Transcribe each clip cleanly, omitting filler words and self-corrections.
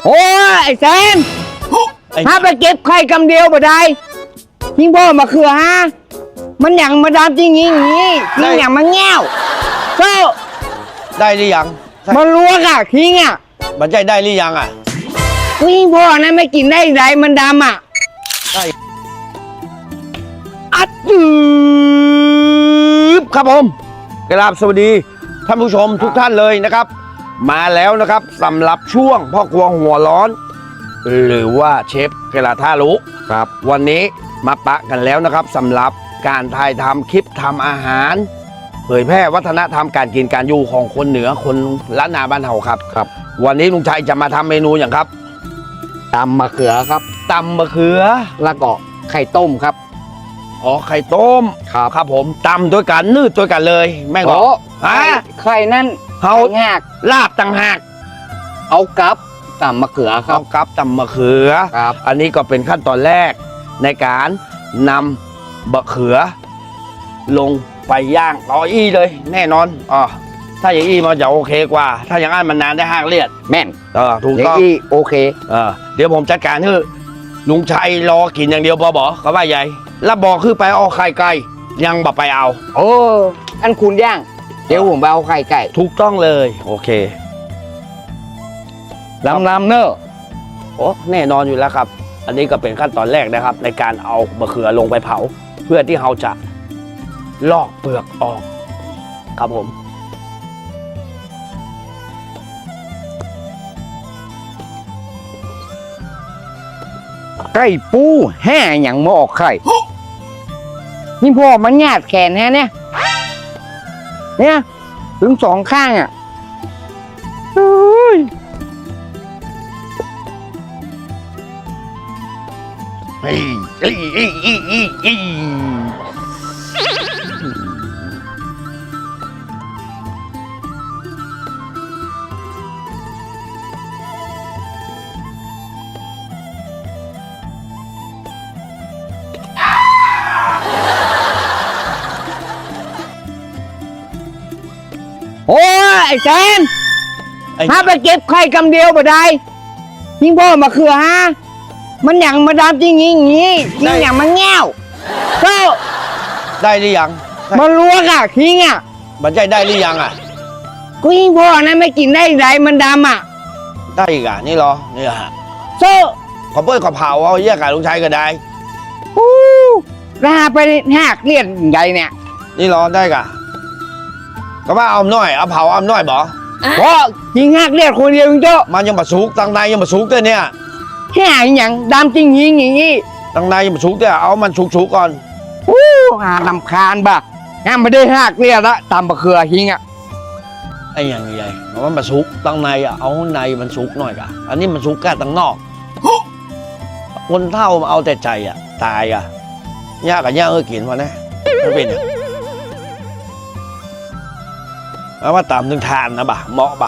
โอ้ยไอ้แซมถ้าไปเก็บไข่กำเดียวบ่ได้ทิ้งพ่อมาเขือฮะมันอย่างมาดามจริงอย่างนี้ทิ้งอย่างมาแง่วก็ได้หรือยังมันลวกอ่ะทิ้งอ่ะมันใจได้หรือยังอ่ะทิ้งพ่อนะไม่กินได้ไรมันดำอ่ะได้อัดจืบครับผมกราบสวัสดีท่านผู้ชมทุกท่านเลยนะครับ มาแล้วนะครับสำหรับช่วงพ่อครัวหัวร้อน หรือว่าเชฟกระทารู้ครับ วันนี้มาปะกันแล้วนะครับสำหรับการถ่ายทำคลิปทำอาหาร เผยแพร่วัฒนธรรมการกินการอยู่ของคนเหนือคนล้านนาบ้านเฮาครับครับ วันนี้ลุงชัยจะมาทำเมนูอย่างครับตำมะเขือครับตำมะเขือแล้วก็ไข่ต้มครับอ๋อไข่ต้มครับผมตำด้วยกันนืดด้วยกันเลยแม่งบอกไข่ไข่นั่นเฮางากลาบต่างหากเอากับตำมะเขือครัเอาบกับตำมะเขือครับอันนี้ก็เป็นขั้นตอนแรกในการนำมะเขือ ลงไปย่างต่ออี้เลย แน่นอนอ๋อถ้าอย่างอี้มันจะโอเคกว่า ถ้าอย่างนั้นมันนานได้ห้างเลียดแม่นถูกอย่างต้องนี้โอเคเดี๋ยวผมจัดการให้ลุงชัยรอกินอย่างเดียวบอเขาว่าใหญ่แล้วบอกคือไปเอาไข่ไก่ยังบ่ไปเอาโอ้อันคุณย่างเดี๋ยวผมไปเอาไข่ไก่ถูกต้องเลยโอเคลำเนอะโอ้แน่นอนอยู่แล้วครับ อันนี้ก็เป็นขั้นตอนแรกนะครับ ในการเอามะเขือลงไปเผา เพื่อที่เราจะลอกเปลือกออกครับผมไก่ปูแห่อย่างมาออกไข่นี่พ่อมันหยาดแขนแฮะเนี่ยถึงสองข้างอ่ะเฮ้ย โอ้ยไอ้แซมถ้าไปเก็บไข่กำเดียวบ่ได้ทิ้งพ่อมาเขือฮะมันอย่างมาดามจริงอย่างนี้ทิ้งอย่างมาแง่วก็ได้หรือยังมันลวกอ่ะทิ้งอ่ะมันใจได้หรือยังอ่ะกูยิงพ่อนะไม่กินได้ไรมันดำอ่ะได้อีกอ่ะนี่เหรอนี่ฮะโซ่ขอเปิ้ลขอเผาเอาแยกกับลุงชัยก็ได้ฮู้ลาไปหักเลียดใหญ่เนี่ยนี่เหรอได้กะก็ว่าเอาหน่อยเอาเผาเอาหน่อยบ่เพราะยิงหักเลียดคนเดียวจริงเจ้ามันยังมาสุกตั้งในยังมาสุกเต้เนี่ยแค่อย่างดำจริงยิงอย่างนี้ตั้งในยังมาสุกเต้เอามันสุกก่อนฮู้ลำคาญบ่ะงั้นไม่ได้หักเลียดละตามบะเขือหิงอ่ะไอ้อย่างใหญ่มันมาสุกตั้งในอ่ะเอาในมันสุกหน่อยกะอันนี้มันสุกแค่ตั้งนอกคนเท่ามาเอาแต่ใจอ่ะตายอ่ะยากกับยากกินวะนะมันเป็นอย่างเอาว่าตามถึงทานนะบ่ะเหมาะบ่ะ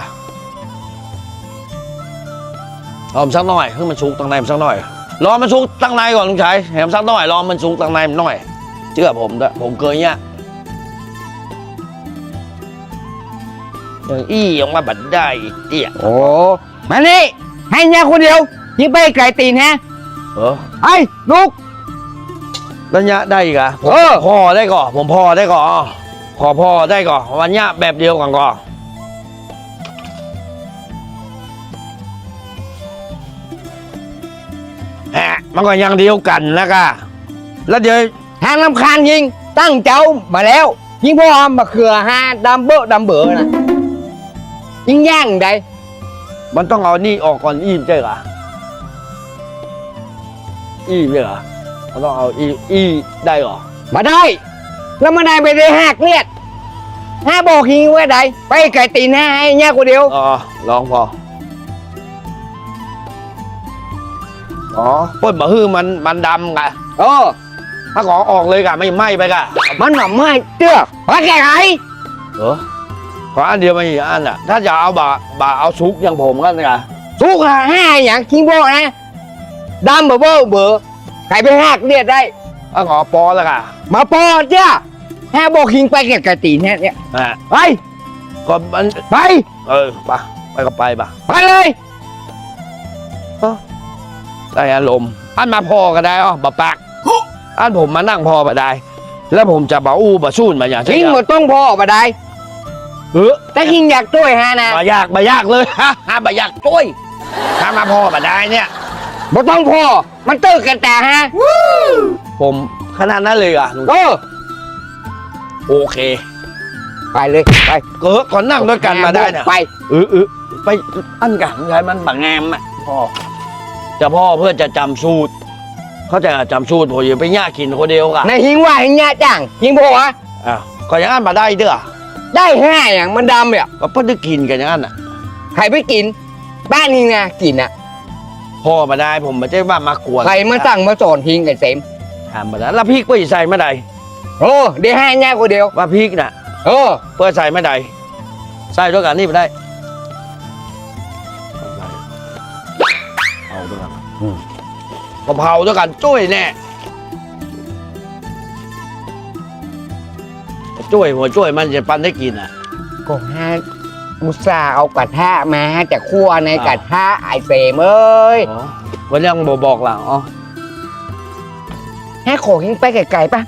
เอามันสักหน่อยให้มันสุกตั้งในมันสักหน่อยรอมันสุกตั้งในก่อนลุงชัยแหมสักหน่อยรอมันสุกตั้งในมันหน่อยเชื่อผมด้วยผมเคยเนี่ยอย่างอี้ออกมาบัดได้เตี้ยโอ้มานี่ให้ยาคนเดียวยิงไปไก่ตีนฮะ ไอ้ลูกระยะได้อีกอะผม พอได้ก่อนผมพอได้ก่อนพอได้ก่อนวันนี้แบบเดียวกันก่อนแหะมันก็ยังเดียวกันแล้วก็แล้วเดี๋ยวทางลำคาญยิงตั้งเจ้ามาแล้ว ยิงพ่อมาเขือฮาดำเบอดำเบอนะยิงย่างใดมันต้องเอานี่ออกก่อนอิ่มใช่เหรออิ่มใช่เหรอมันต้องเอาอีได้เหรอมาได้ แล้วมาได้ไปได้หักเลียดห้าบอกยิงไว้ใดไปไก่ตีนฮะให้ยาคนเดียวอ๋อลองพออ๋อป้นบะฮื้อมันดำกะเออถ้าขอออกเลยกะไม่ไหม้ไปกะมันหน่อไม่เตื้อว่าแก่ไงขออันเดียวไม่กี่อันอ่ะ ถ้าจะเอาบะเอาซุกอย่างผมก็ไงทุกห้าอย่างคิงโบนะดำเบอเบอไก่ไปหักเลียดได้ถ้าขอปอแล้วกะมาปอจ้าห้าบอกยิงไปแก่ไก่ตีนฮะเนี่ย ไปก็มันไปไปก็ไปปะไปเลยได้อารมณ์อันมาพอก็ได้อ๋อบะปากอันผมมานั่งพอมาได้ แล้วผมจะบาอู้บาสู้นมาอย่างหิงหมดต้องพ่อบ่ได้แต่หิงอยากช่วยฮะนะบายากเลยฮะบายากช่วยถ้ามาพอมาได้เนี่ยบ่ต้องพ่อมันตื้อกันแต่ฮะผมขนาดนั้นเลยอ่ะ โอเคไปเลยไปเกิดก่อนนั่งด้วยกันมาได้เนี่ยไปไปอันกันใช่มันบางแงมอ่ะพ่อจะพ่อเพื่อจะจำสูตร เขาจะจำสูตรผมอย่าไปย่ากินคนเดียวกันในหิงว่าหิงยะจังหิงพ่อวะอ้าวก็อย่างนั้นมาได้เด้อได้แห่อย่างมันดำเนี่ยก็เพิ่งได้กินกันอย่างนั้นอ่ะใครไปกิน บ้านหิงนะกินอ่ะพ่อมาได้ผมไม่ใช่ว่ามากวนใครมาสั่งมาสอนหิงกันเสมถามมาได้แล้วพริกไปใส่ไม่ได้โอ้เดี๋ยวแห่ยะคนเดียวว่าพริกน่ะ เพื่อใส่ไม่ได้ใส่ด้วยกันนี่ไม่ได้เอาด้วยกันกะเพราด้วยกันจุ้ยแน่จุ้ยหัวจุ้ยมันจะปันได้กินอ่ะก็ฮะอุตส่าห์เอากระทะมาแต่คั่วในกระทะไอเสมเอ้ยอ๋อวันนี้ยังบอกหลังอ๋อแห่ขอหิงไปไกลๆไป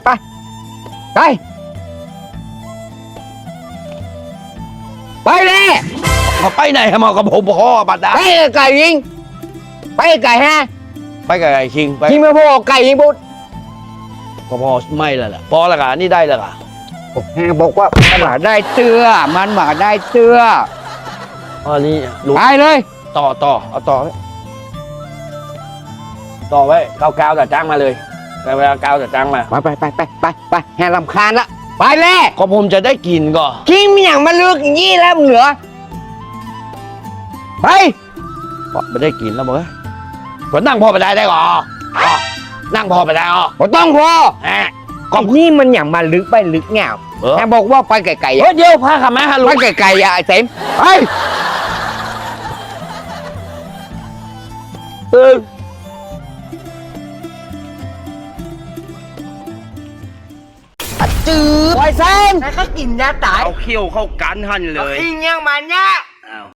ไปเลยมาไปไหนมากับผมพ่อบัดดาไปไกลหิงไปไกลฮะไปกับไอ้คิงไปหิงไม่พอไก่หิงบุตรก็พอไม่แล้วล่ะพอและกันนี่ได้แล้วล่ะแห่บอกว่ามันมาได้เสื้อมันมาได้เสื้ออันนี้รู้ไปเลยต่อเอาต่อไว้ต่อไว้กาวแต่จ้างมาเลยแต่เวลากาวแต่จ้างมาไปแห่ลำคาญละไปเลยก็ผมจะได้กินก็กินมีอย่างมาลึกอย่างนี้แล้วเหนือไปไม่ได้กินแล้วมึงก็นั่งพอไปได้ก่อนั่งพอไปได้อ๋อบ่ต้องพอฮะก็นี่มันอย่างมาลึกไปลึกเงาแห่บอกว่าไปไกลๆเฮ้ยเดี๋ยวพาขับมาฮะลุไปงไกลๆไอ้เสมไป จืดไอ้เสมแล้วก็กินยาตายเอาเขี้ยวเข้ากันหันเลยกินยังมันเนี่ย